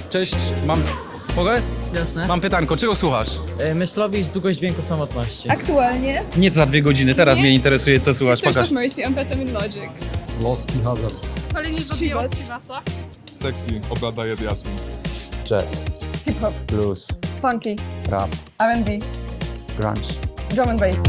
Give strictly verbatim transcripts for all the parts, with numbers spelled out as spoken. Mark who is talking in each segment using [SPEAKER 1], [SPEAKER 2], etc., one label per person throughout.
[SPEAKER 1] Cześć, mam... Mogę?
[SPEAKER 2] Jasne.
[SPEAKER 1] Mam pytanko, czego słuchasz?
[SPEAKER 2] E, Myślowicz, długość dźwięku samotności.
[SPEAKER 3] Aktualnie
[SPEAKER 1] Nie za dwie godziny, teraz
[SPEAKER 3] Nie.
[SPEAKER 1] mnie interesuje, co słuchasz,
[SPEAKER 3] Sisters
[SPEAKER 1] pokaż.
[SPEAKER 3] of Mercy, Amphetamine Logic.
[SPEAKER 4] Loski Hazards.
[SPEAKER 5] Palenie zabija od
[SPEAKER 3] Chivas.
[SPEAKER 5] Chivasa.
[SPEAKER 4] Sexy, obladaje diasmin.
[SPEAKER 6] Jazz,
[SPEAKER 7] Hip-hop,
[SPEAKER 6] blues,
[SPEAKER 7] funky,
[SPEAKER 6] rap,
[SPEAKER 7] R and B,
[SPEAKER 6] grunge.
[SPEAKER 7] drum and bass.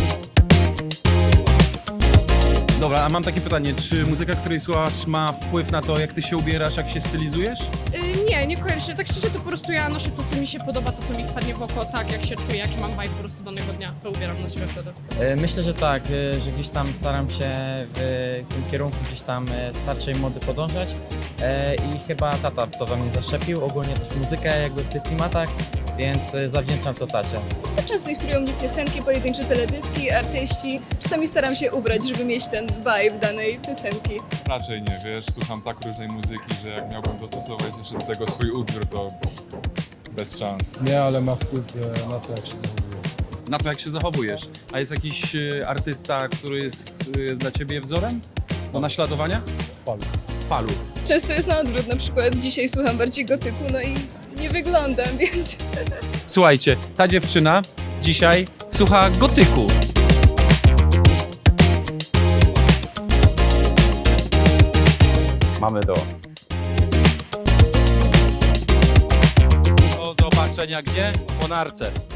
[SPEAKER 1] Dobra, a mam takie pytanie, czy muzyka, której słuchasz ma wpływ na to, jak ty się ubierasz, jak się stylizujesz?
[SPEAKER 5] Yy, nie, nie koniecznie. Tak szczerze to po prostu ja noszę to, co mi się podoba, to, co mi wpadnie w oko, tak jak się czuję, jaki mam vibe po prostu danego dnia, to ubieram na siebie wtedy.
[SPEAKER 2] E, Myślę, że tak, e, że gdzieś tam staram się w tym kierunku gdzieś tam e, starszej mody podążać e, i chyba tata to we mnie zaszczepił, ogólnie też muzykę jakby w tych klimatach, więc e, zawdzięczam to tacie.
[SPEAKER 3] To często inspirują mnie piosenki, pojedyncze teledyski, artyści. Czasami staram się ubrać, żeby mieć ten vibe danej piosenki.
[SPEAKER 4] Raczej nie, wiesz, słucham tak różnej muzyki, że jak miałbym dostosować jeszcze do tego swój utwór, to bez szans.
[SPEAKER 8] Nie, ale ma wpływ e, na to, jak się zachowuje.
[SPEAKER 1] Na to, jak się zachowujesz. A jest jakiś y, artysta, który jest y, dla ciebie wzorem do naśladowania?
[SPEAKER 8] Palu.
[SPEAKER 1] Palu.
[SPEAKER 3] Często jest na odwrót, na przykład dzisiaj słucham bardziej gotyku, no i nie wyglądam, więc...
[SPEAKER 1] Słuchajcie, ta dziewczyna dzisiaj słucha gotyku.
[SPEAKER 6] Mamy to.
[SPEAKER 1] Do zobaczenia gdzie? Po narce.